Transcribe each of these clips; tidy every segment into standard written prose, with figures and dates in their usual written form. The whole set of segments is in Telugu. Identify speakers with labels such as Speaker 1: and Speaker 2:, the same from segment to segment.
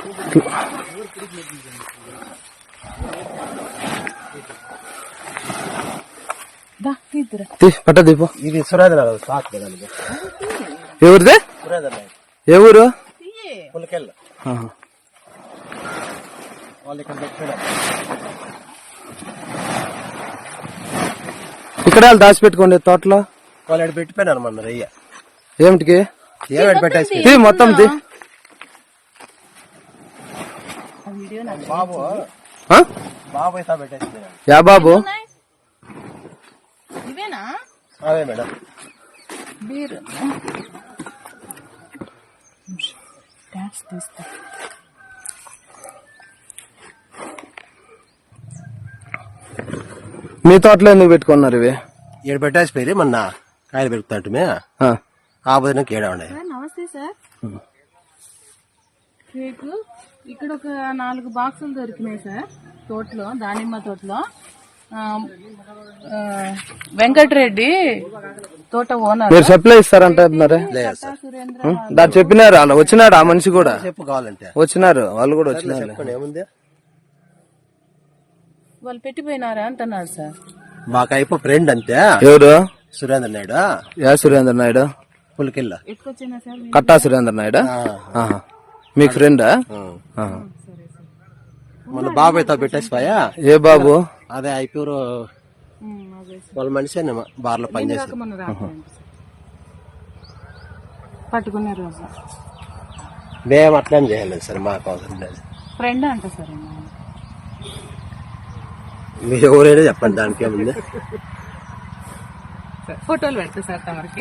Speaker 1: పట్ట దీపో.
Speaker 2: ఇది సురేంద్ర
Speaker 1: ఎవరిదే? ఏ ఊరు?
Speaker 2: పులికెళ్ళ. వాళ్ళు ఇక్కడ పెట్టారు.
Speaker 1: ఇక్కడ దాచిపెట్టుకోండి తోటలో.
Speaker 2: వాళ్ళు ఇక్కడ పెట్టిపోయినారు మన రయ్య.
Speaker 1: ఏమిటికి?
Speaker 2: ఏమిటి పెట్టేసి
Speaker 1: మొత్తం తీ.
Speaker 2: బాబు బాబు అయితే పెట్టేసి.
Speaker 1: యా బాబు?
Speaker 2: అదే మేడం.
Speaker 1: మీ తోటలో ఎందుకు పెట్టుకున్నారు ఇవి?
Speaker 2: ఇక్కడ పెట్టేసిపోయి మొన్న కాయలు పెరుగుతున్నట్టుమే ఆ బదినకి ఏడా ఉన్నాయి.
Speaker 3: నమస్తే సార్. కేకు ఇక్కడ ఒక 4 బాక్సులు దొరికినాయి సార్ తోటలో, దానిమ్మ తోటలో. వెంకటరెడ్డి తోట ఓనర్.
Speaker 1: మీరు సప్లై ఇస్తారంటున్నారే? దాన్ని చెప్పినారు. అలా వచ్చినాడు ఆ మనిషి కూడా.
Speaker 2: చెప్పు కావాలంటే
Speaker 1: వచ్చినారు వాళ్ళు కూడా వచ్చినారు.
Speaker 2: ఏముంది
Speaker 3: వాళ్ళు పెట్టిపోయినారా అంటున్నారు సార్.
Speaker 2: మాకు అయిపో ఫ్రెండ్ అంతే.
Speaker 1: ఎవరు?
Speaker 2: సురేంద్ర నాయుడు.
Speaker 1: యా సురేంద్ర నాయుడు?
Speaker 2: పులికెళ్ళ.
Speaker 3: ఎత్తుకొచ్చినా సార్.
Speaker 1: కట్టా సురేంద్ర నాయుడు మీకు ఫ్రెండా?
Speaker 2: మన బాబు అయితే పెట్టేసిపోయా.
Speaker 1: ఏ బాబు?
Speaker 2: అదే అయిపోయారు వాళ్ళ మనిషి బార్లో పనిచేసి
Speaker 3: పట్టుకున్నారు.
Speaker 2: మేము అట్లేం చేయలేదు సార్, మాకు అవసరం లేదు.
Speaker 3: ఫ్రెండ్ అంట సార్.
Speaker 2: మీరు ఎవరైనా చెప్పండి, దానికి ఏముంది.
Speaker 3: ఫోటోలు పెడతా సార్ తమరికి.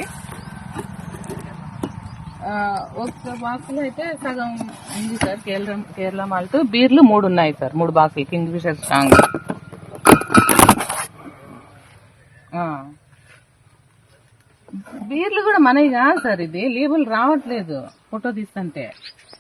Speaker 3: ఒక బాక్స్ లో అయితే సగం ఉంది సార్ కేరళ మాల్ట్. బీర్లు 3 ఉన్నాయి సార్, 3 బాక్సులు కింగ్ ఫిషర్ స్ట్రాంగ్. బీర్లు కూడా మనవి కాదు సార్, ఇది లేబుల్ రావట్లేదు ఫోటో తీస్తుంటే.